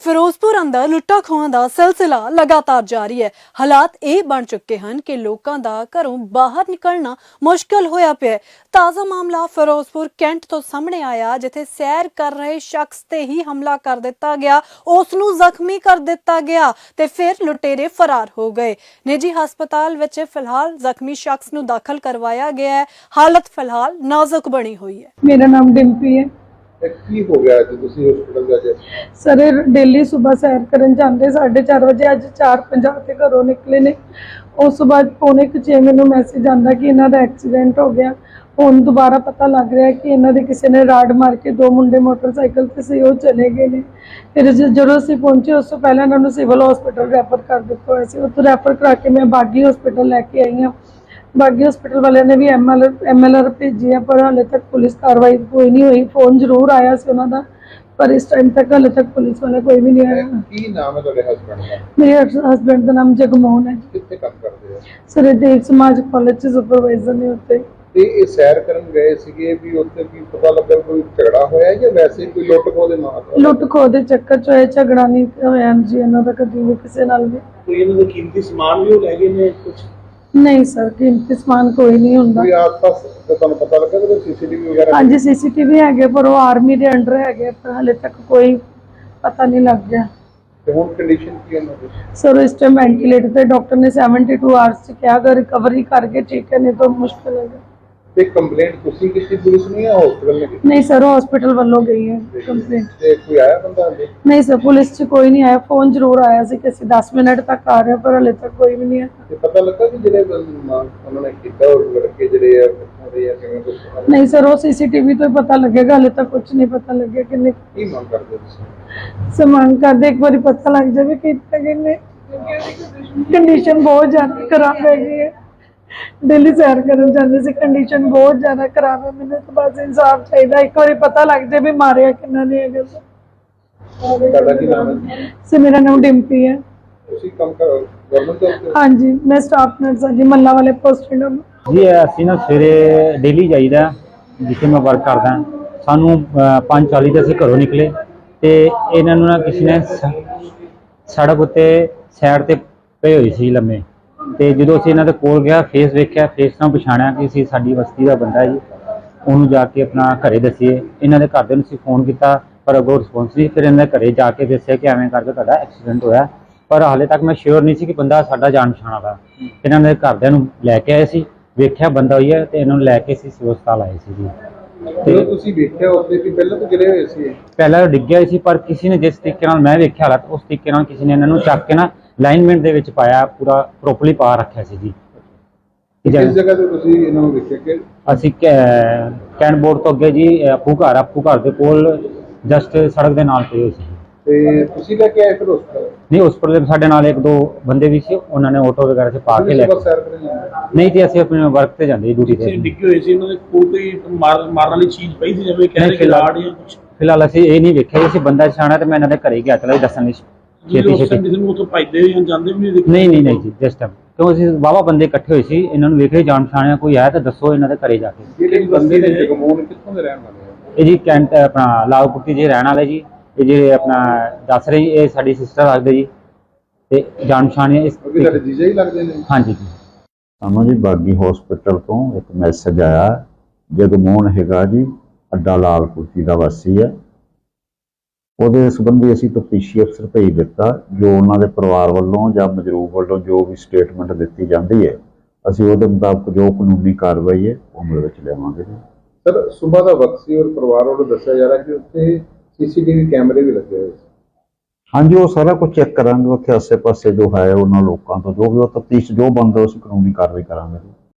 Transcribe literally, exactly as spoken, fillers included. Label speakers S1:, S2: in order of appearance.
S1: ਫਿਰੋਜ਼ਪੁਰ ਅੰਦਰ ਲੁੱਟਾਂ ਖੋਹਾਂ ਦਾ ਸਿਲਸਿਲਾ ਲਗਾਤਾਰ ਜਾਰੀ ਹੈ। ਹਾਲਾਤ ਇਹ ਬਣ ਚੁੱਕੇ ਹਨ ਕਿ ਲੋਕਾਂ ਦਾ ਘਰੋਂ ਬਾਹਰ ਨਿਕਲਣਾ ਮੁਸ਼ਕਲ ਹੋਇਆ ਪਿਆ ਹੈ। ਤਾਜ਼ਾ ਮਾਮਲਾ ਫਿਰੋਜ਼ਪੁਰ ਕੈਂਟ ਤੋਂ ਸਾਹਮਣੇ ਆਇਆ, ਜਿੱਥੇ ਸੈਰ ਕਰ ਰਹੇ ਸ਼ਖਸ ਤੇ ਹੀ ਹਮਲਾ ਕਰ ਦਿੱਤਾ ਗਿਆ, ਉਸ ਨੂੰ ਜ਼ਖਮੀ ਕਰ ਦਿੱਤਾ ਗਿਆ ਤੇ ਫਿਰ ਲੁਟੇਰੇ ਫਰਾਰ ਹੋ ਗਏ। ਨਿੱਜੀ ਹਸਪਤਾਲ ਵਿੱਚ ਫਿਲਹਾਲ ਜ਼ਖਮੀ ਸ਼ਖਸ ਨੂੰ ਦਾਖਲ ਕਰਵਾਇਆ ਗਿਆ ਹੈ। ਹਾਲਤ ਫਿਲਹਾਲ ਨਾਜ਼ੁਕ ਬਣੀ ਹੋਈ ਹੈ।
S2: ਮੇਰਾ ਨਾਮ ਡਿੰਪੀ ਹੈ।
S3: ਕੀ ਹੋ ਗਿਆ ਅੱਜ ਤੁਸੀਂ ਹਸਪੀਟਲ ਗਏ?
S2: ਸਰ ਡੇਲੀ ਸਵੇਰ ਸੈਰ ਕਰਨ ਜਾਂਦੇ ਸਾਢੇ ਚਾਰ ਵਜੇ, ਅੱਜ ਚਾਰ ਪੰਜਾਹ ਤੇ ਘਰੋਂ ਨਿਕਲੇ ਨੇ। ਉਸ ਤੋਂ ਬਾਅਦ ਪੌਣੇ ਕੁ ਛੇ ਮੈਨੂੰ ਮੈਸੇਜ ਆਂਦਾ ਕਿ ਇਹਨਾਂ ਦਾ ਐਕਸੀਡੈਂਟ ਹੋ ਗਿਆ। ਹੁਣ ਦੁਬਾਰਾ ਪਤਾ ਲੱਗ ਰਿਹਾ ਕਿ ਇਹਨਾਂ ਦੇ ਕਿਸੇ ਨੇ ਰਾਡ ਮਾਰ ਕੇ ਦੋ ਮੁੰਡੇ ਮੋਟਰਸਾਈਕਲ ਤੇ ਸੀ, ਉਹ ਚਲੇ ਗਏ ਨੇ। ਫਿਰ ਜਦੋਂ ਅਸੀਂ ਪਹੁੰਚੇ ਉਸ ਤੋਂ ਪਹਿਲਾਂ ਇਹਨਾਂ ਨੂੰ ਸਿਵਲ ਹਸਪੀਟਲ ਰੈਫਰ ਕਰ ਦਿੱਤਾ ਹੋਇਆ ਸੀ। ਉੱਥੋਂ ਰੈਫਰ ਕਰਾ ਕੇ ਮੈਂ ਬਾਗੀ ਹਸਪੀਟਲ ਲੈ ਕੇ ਆਈ ਹਾਂ। ਬਾਗੀ ਹਸਪੀਟਲ ਵਾਲਿਆਂ ਨੇ ਵੀ M L M L R ਭੇਜੀ ਹੈ, ਪਰ ਹਾਲੇ ਤੱਕ ਪੁਲਿਸ ਕਾਰਵਾਈ ਕੋਈ ਨਹੀਂ ਹੋਈ। ਫੋਨ ਜ਼ਰੂਰ ਆਇਆ ਸੀ ਉਹਨਾਂ ਦਾ, ਪਰ ਇਸ ਟਾਈਮ ਤੱਕ ਹਾਲੇ ਤੱਕ ਪੁਲਿਸ ਵਾਲਾ ਕੋਈ ਵੀ ਨਹੀਂ ਆਇਆ।
S3: ਕੀ ਨਾਮ ਹੈ ਤੁਹਾਡੇ ਹਸਬੈਂਡ ਦਾ?
S2: ਮੇਰੇ ਹਸਬੈਂਡ ਦਾ ਨਾਮ ਜਗਮੋਹਨ ਹੈ।
S3: ਕਿੱਥੇ ਕੰਮ ਕਰਦੇ ਹੋ?
S2: ਸਰ ਇਹ ਦੇਵ ਸਮਾਜ ਕਾਲਜ ਚ ਸੁਪਰਵਾਈਜ਼ਰ ਨੇ ਉੱਤੇ।
S3: ਤੇ ਇਹ ਸੈਰ ਕਰਨ ਗਏ ਸੀਗੇ, ਵੀ ਉੱਥੇ ਕੀ ਪਤਾ ਲੱਗਾ ਕੋਈ ਝਗੜਾ ਹੋਇਆ ਜਾਂ ਵੈਸੇ ਕੋਈ ਲੁੱਟ ਖੋਹ ਦੇ ਮਾਮਲੇ?
S2: ਲੁੱਟ ਖੋਹ ਦੇ ਚੱਕਰ ਚ ਹੋਇਆ, ਝਗੜਾ ਨਹੀਂ ਹੋਇਆ ਜੀ ਇਹਨਾਂ ਦਾ ਕਦੀ ਵੀ ਕਿਸੇ ਨਾਲ ਵੀ।
S4: ਕੋਈ ਇਹਨਾਂ ਦਾ ਕੀਮਤੀ ਸਮਾਨ ਵੀ ਉਹ ਲੈ ਗਏ ਨੇ ਕੁਝ?
S2: ਨਹੀਂ ਸਰ, ਕੀਮਤੀ ਸਮਾਨ ਕੋਈ ਨਹੀਂ ਹੁੰਦਾ।
S3: ਕੋਈ ਆਸ-ਪਾਸ ਤੁਹਾਨੂੰ ਪਤਾ ਲੱਗਾ ਕਿ ਸੀਸੀਟੀਵੀ ਵਗੈਰਾ?
S2: ਹਾਂਜੀ ਸੀਸੀਟੀਵੀ ਹੈਗੇ, ਪਰ ਉਹ ਆਰਮੀ ਦੇ ਅੰਡਰ ਹੈਗੇ, ਪਰ ਹਾਲੇ ਤੱਕ ਕੋਈ ਪਤਾ ਨਹੀਂ ਲੱਗ ਗਿਆ।
S3: ਤੇ ਹੁਣ ਕੰਡੀਸ਼ਨ ਕੀ ਹੈ ਇਹਨਾਂ ਦੀ?
S2: ਸਰ ਇਸ ਟਾਈਮ ਵੈਂਟੀਲੇਟਰ ਤੇ ਡਾਕਟਰ ਨੇ ਬਹੱਤਰ ਆਵਰਸ ਚ ਕਿਹਾ ਅਗਰ ਰਿਕਵਰੀ ਕਰਕੇ ਠੀਕ ਹੈ, ਨਹੀਂ ਤਾਂ ਮੁਸ਼ਕਿਲ ਹੈ।
S3: ਤੇ ਕੰਪਲੇਂਟ ਤੁਸੀਂ ਕੀਤੀ ਪੁਲਿਸ ਨੂੰ ਜਾਂ ਹਸਪੀਟਲ ਨੇ ਕੀਤੀ?
S2: ਨਹੀਂ ਸਰ, ਹਸਪੀਟਲ ਵੱਲੋਂ ਗਈ ਹੈ ਕੰਪਲੇਂਟ।
S3: ਤੇ ਕੋਈ ਆਇਆ ਬੰਦਾ?
S2: ਨਹੀਂ ਸਰ, ਪੁਲਿਸ ਚ ਕੋਈ ਨਹੀਂ ਆਇਆ। ਫੋਨ ਜ਼ਰੂਰ ਆਇਆ ਸੀ ਕਿ ਅਸੀਂ ਦਸ ਮਿੰਟ ਤੱਕ ਆ ਰਹੇ ਹਾਂ, ਪਰ ਹਾਲੇ ਤੱਕ ਕੋਈ ਵੀ ਨਹੀਂ ਆਇਆ।
S3: ਤੇ ਪਤਾ ਲੱਗਾ ਕਿ ਜਿਹੜੇ ਉਹਨਾਂ ਨੇ ਕੀਤਾ ਉਹ ਲੜਕੇ ਜਿਹੜੇ ਆ ਕਿੱਥੋਂ ਦੇ ਆ, ਕਿਵੇਂ ਕੁਝ?
S2: ਨਹੀਂ ਸਰ, ਉਹ ਸੀਸੀਟੀਵੀ ਤੋਂ ਹੀ ਪਤਾ ਲੱਗੇਗਾ, ਹਾਲੇ ਤੱਕ ਕੁਝ ਨਹੀਂ ਪਤਾ ਲੱਗਿਆ ਕਿੰਨੇ।
S3: ਕੀ ਮੰਗ ਕਰਦੇ ਹੋ ਤੁਸੀਂ?
S2: ਸਮਾਨ ਕਰਦੇ ਇੱਕ ਵਾਰੀ ਪਤਾ ਲੱਗ ਜਾਵੇ ਕਿ ਕਿੰਨੇ। ਕੰਡੀਸ਼ਨ ਬਹੁਤ ਜ਼ਿਆਦਾ ਖਰਾਬ ਹੈਗੀ ਹੈ। ਡੇਲੀ ਸੈਰ ਕਰਨ ਜਾਂਦੇ ਸੀ, ਕੰਡੀਸ਼ਨ ਬਹੁਤ ਜ਼ਿਆਦਾ ਖਰਾਬ ਹੈ। ਮੈਨੂੰ ਤਾਂ ਬਸ ਇਨਸਾਫ ਚਾਹੀਦਾ, ਇੱਕ ਵਾਰੀ ਪਤਾ ਲੱਗ ਜਾਵੇ ਵੀ ਮਾਰਿਆ ਕਿੰਨਾ ਨੇ ਹੈਗਾ।
S3: ਤੁਹਾਡਾ ਕੀ ਨਾਮ ਹੈ?
S2: ਸਰ ਮੇਰਾ ਨਾਮ ਡਿੰਪੀ ਹੈ।
S3: ਤੁਸੀਂ ਕੰਮ ਕਰ ਗਵਰਨਮੈਂਟ ਜੌਬ ਤੇ?
S2: ਹਾਂਜੀ, ਮੈਂ ਸਟਾਫ ਨਰਸ ਹਾਂ ਜੀ, ਮੱਲਾ ਵਾਲੇ ਪੋਸਟਡ ਹਾਂ
S5: ਜੀ। ਅਸੀਂ ਨਾ ਸਵੇਰੇ ਡੇਲੀ ਜਾਈਦਾ, ਜਿੱਥੇ ਮੈਂ ਵਰਕ ਕਰਦਾ। ਸਾਨੂੰ ਪੰਜ ਚਾਲੀ ਤੇ ਅਸੀਂ ਘਰੋਂ ਨਿਕਲੇ ਤੇ ਇਹਨਾਂ ਨੂੰ ਨਾ ਕਿਸੇ ਨੇ ਸੜਕ ਉੱਤੇ ਸਾਈਡ ਤੇ ਪਏ ਹੋਏ ਸੀ ਲੰਮੇ। ਤੇ ਜਦੋਂ ਅਸੀਂ ਇਹਨਾਂ ਦੇ ਕੋਲ ਗਿਆ, ਫੇਸ ਵੇਖਿਆ, ਫੇਸ ਨਾਲ ਪਛਾਣਿਆ ਕਿ ਅਸੀਂ ਸਾਡੀ ਬਸਤੀ ਦਾ ਬੰਦਾ ਜੀ। ਉਹਨੂੰ ਜਾ ਕੇ ਆਪਣਾ ਘਰੇ ਦੱਸੀਏ। ਇਹਨਾਂ ਦੇ ਘਰਦਿਆਂ ਨੂੰ ਅਸੀਂ ਫੋਨ ਕੀਤਾ, ਪਰ ਅੱਗੋਂ ਰਿਸਪੌਂਸ ਨਹੀਂ। ਫਿਰ ਇਹਨਾਂ ਦੇ ਘਰੇ ਜਾ ਕੇ ਦੱਸਿਆ ਕਿ ਐਵੇਂ ਕਰਕੇ ਤੁਹਾਡਾ ਐਕਸੀਡੈਂਟ ਹੋਇਆ, ਪਰ ਹਾਲੇ ਤੱਕ ਮੈਂ ਸ਼ੋਰ ਨਹੀਂ ਸੀ ਕਿ ਬੰਦਾ ਸਾਡਾ ਜਾਣ ਪਛਾਣ ਵਾਲਾ। ਇਹਨਾਂ ਦੇ ਘਰਦਿਆਂ ਨੂੰ ਲੈ ਕੇ ਆਏ ਸੀ, ਵੇਖਿਆ ਬੰਦਾ ਹੋਈ ਹੈ, ਤੇ ਇਹਨਾਂ ਨੂੰ ਲੈ ਕੇ ਅਸੀਂ ਸਿਵਲ ਹਸਪਤਾਲ ਆਏ ਸੀ ਜੀ।
S3: ਤੇ ਤੁਸੀਂ ਵੇਖਿਆ ਉੱਤੇ ਕਿ ਪਹਿਲਾਂ ਤਾਂ ਗਿਰੇ ਹੋਏ ਸੀ? ਪਹਿਲਾਂ
S5: ਡਿੱਗਿਆ ਸੀ, ਪਰ ਕਿਸੇ ਨੇ ਜਿਸ ਤਰੀਕੇ ਨਾਲ ਮੈਂ ਵੇਖਿਆ ਹਾਲਾਤ, ਉਸ ਤਰੀਕੇ ਨਾਲ ਕਿਸੇ ਨੇ ਇਹਨਾਂ ਨੂੰ ਚੱਕ ਕੇ ਨਾ ਲਾਈਨਮੈਂਟ ਦੇ ਵਿੱਚ ਪਾਇਆ, ਪੂਰਾ ਪ੍ਰੋਪਰਲੀ ਪਾ ਰੱਖਿਆ ਸੀ ਜੀ।
S3: ਕਿਸ ਜਗ੍ਹਾ ਤੇ ਤੁਸੀਂ ਇਹਨਾਂ ਨੂੰ ਵੇਖਿਆ? ਕਿ
S5: ਅਸੀਂ ਕੈਂਟ ਬੋਰਡ ਤੋਂ ਅੱਗੇ ਜੀ, ਆਪੂ ਘਰ ਆਪੂ ਘਰ ਦੇ ਕੋਲ ਜਸਟ ਸੜਕ ਦੇ ਨਾਲ ਪਏ ਹੋਏ ਸੀ।
S3: ਤੇ ਤੁਸੀਂ ਲੈ ਕੇ ਆਏ ਫਿਰ ਹਸਪਤਾਲ?
S5: ਨਹੀਂ, ਹਸਪਤਾਲ ਸਾਡੇ ਨਾਲ ਇੱਕ ਦੋ ਬੰਦੇ ਵੀ ਸੀ, ਉਹਨਾਂ ਨੇ ਆਟੋ ਵਗੈਰਾ 'ਚ ਪਾ ਕੇ ਲੈ ਕੇ।
S3: ਸੈਰ ਕਰਨ ਜਾਂਦੇ?
S5: ਨਹੀਂ ਜੀ, ਅਸੀਂ ਆਪਣੇ ਵਰਕ ਤੇ ਜਾਂਦੇ, ਡਿਊਟੀ ਤੇ।
S4: ਡਿੱਗੇ ਹੋਏ ਸੀ, ਇਹਨਾਂ ਦੇ ਕੋਲ ਕੋਈ ਮਾਰਨ ਵਾਲੀ ਚੀਜ਼ ਪਈ ਸੀ, ਜਿਵੇਂ ਕਹਿੰਦੇ ਕਿ ਲਾੜ ਜਾਂ ਕੁਝ?
S5: ਫਿਲਹਾਲ ਅਸੀਂ ਇਹ ਨਹੀਂ ਵੇਖਿਆ। ਅਸੀਂ ਬੰਦਾ ਛਾਣਾ ਤੇ ਮੈਂ ਇਹਨਾਂ ਦੇ ਘਰੇ ਗਿਆ, ਚਲਾ ਦੱਸਣ ਲਈ ਛੇਤੀ ਛੇਤੀ।
S4: ਕਿਸੇ ਨੂੰ ਉੱਥੋਂ ਭੱਜਦੇ ਜਾਂ ਜਾਂਦੇ ਵੀ ਨਹੀਂ?
S5: ਨਹੀਂ ਨਹੀਂ ਨਹੀਂ ਜੀ, ਜਸਟ ਕਿਉਂ ਅਸੀਂ ਵਾਹਵਾ ਬੰਦੇ ਇਕੱਠੇ ਹੋਏ ਸੀ, ਇਹਨਾਂ ਨੂੰ ਵੇਖੇ ਜਾਣ ਪਛਾਣਿਆ ਕੋਈ ਆਇਆ ਤਾਂ ਦੱਸੋ ਇਹਨਾਂ ਦੇ ਘਰੇ ਜਾ ਕੇ।
S3: ਜਿਹੜੇ ਬੰਦੇ ਨੇ ਜਗਮੋਹਨ ਕਿੱਥੋਂ ਦੇ ਰਹਿਣ ਵਾਲੇ ਆ?
S5: ਇਹ ਜੀ ਕੈਂਟ ਆਪਣਾ ਲਾਲਪੁੱਟੀ ਜੀ ਰਹਿਣ ਵਾਲੇ ਜੀ। ਇਹ ਜਿਹੜੇ ਆਪਣਾ ਦੱਸ ਰਹੇ ਜੀ, ਇਹ ਸਾਡੀ ਸਿਸਟਰ ਲੱਗਦੇ ਜੀ, ਤੇ ਜਾਣ ਪਛਾਣ ਇਸ
S3: ਤੁਹਾਡੇ ਜੀਜਾ ਹੀ ਲੱਗਦੇ ਨੇ?
S5: ਹਾਂਜੀ ਜੀ।
S6: ਸਾਨੂੰ ਜੀ ਬਾਗੀ ਹਸਪੀਟਲ ਤੋਂ ਇੱਕ ਮੈਸੇਜ ਆਇਆ, ਜਗਮੋਹਨ ਹੈਗਾ ਜੀ, ਅੱਡਾ ਲਾਲਪੁਰਤੀ ਦਾ ਵਾਸੀ ਹੈ। ਉਹਦੇ ਸੰਬੰਧੀ ਅਸੀਂ ਤਫਤੀਸ਼ੀ ਅਫਸਰ ਭੇਜ ਦਿੱਤਾ। ਜੋ ਉਹਨਾਂ ਦੇ ਪਰਿਵਾਰ ਵੱਲੋਂ ਜਾਂ ਮਜਰੂਬ ਵੱਲੋਂ ਜੋ ਵੀ ਸਟੇਟਮੈਂਟ ਦਿੱਤੀ ਜਾਂਦੀ ਹੈ, ਅਸੀਂ ਉਹਦੇ ਮੁਤਾਬਕ ਜੋ ਕਾਨੂੰਨੀ ਕਾਰਵਾਈ ਹੈ ਉਹ ਅਮਲ ਵਿੱਚ ਲਿਆਵਾਂਗੇ ਜੀ।
S3: ਸਰ ਸੁਬਾਹ ਦਾ ਵਕਤ ਸੀ ਔਰ ਪਰਿਵਾਰ ਵੱਲੋਂ ਦੱਸਿਆ ਜਾ ਰਿਹਾ ਕਿ ਉੱਥੇ ਸੀਸੀਟੀਵੀ ਕੈਮਰੇ ਵੀ ਲੱਗੇ ਹੋਏ ਸੀ।
S6: ਹਾਂਜੀ, ਉਹ ਸਾਰਾ ਕੁਝ ਚੈੱਕ ਕਰਾਂਗੇ। ਉੱਥੇ ਆਸੇ ਪਾਸੇ ਜੋ ਹੈ ਉਹਨਾਂ ਲੋਕਾਂ ਤੋਂ ਜੋ ਵੀ ਉਹ ਤਫਤੀਸ਼ ਜੋ ਬਣਦਾ ਉਸ ਕਾਨੂੰਨੀ ਕਾਰਵਾਈ ਕਰਾਂਗੇ ਜੀ।